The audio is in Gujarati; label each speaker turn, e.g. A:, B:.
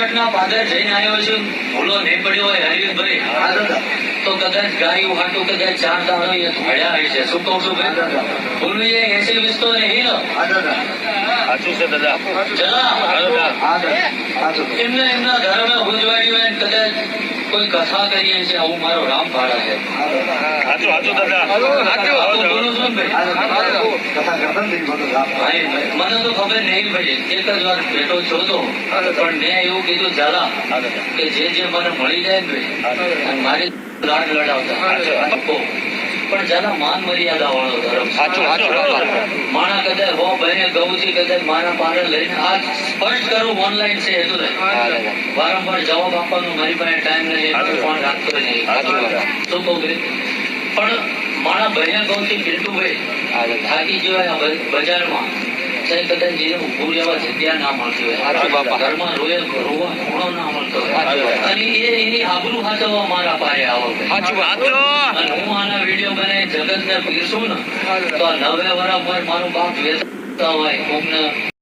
A: જગતના પાદર જઈને આવ્યો છું, ભૂલો નહીં પડ્યો હોય હરિભાઈ, તો કદાચ ગાયું હાટું કદાચ 4 દાડો એ ધોળ્યા હશે. શું કહું છું ભાઈ? ભૂલવી એ 80-20 તો નહીં.
B: સાચું છે દાદા.
A: એમને એમના ધર્મે ઉજવાડી હોય ને કદાચ કોઈ કથા કરીએ છીએ, આવું મારો રામ ભાડા છે.
B: સાચું દાદા.
A: બોલું છું ને ભાઈ, મને તો ખબર નહીં પડી. એક જ વાર ભેટો છો તો, પણ મેં એવું કીધું ઝાલા કે જે મને મળી જાય ને ભાઈ, મારી લાડ લડાવતા પણ ઝાલા માન મર્યાદા વાળો ધર્મ. માણા કદાચ હો બહેને ગૌથી કદાચ મારા પારે લઈને આ સ્પષ્ટ કરું ઓનલાઈન છે એટલું વારંવાર જવાબ આપવાનો મારી પાસે ટાઈમ નહીં, ફોન રાખતો નહીં. શું કહું પણ મારા બહેને ગૌથી બિલકુલભાઈ થાકી જવાય બજારમાં કદાચ જે ઉભું રહેવા જગ્યા ના મળતી હોય, ઘરમાં રોવા ખૂણો ના મળતો હોય, અને એની આબરૂ હાચવવા મારા પાસે આવો. અને હું આના વિડીયો બનાવી જગત ને પીરશું ને તો 90 વર્ષ પર મારું બાપ વેચતા હોય કોકને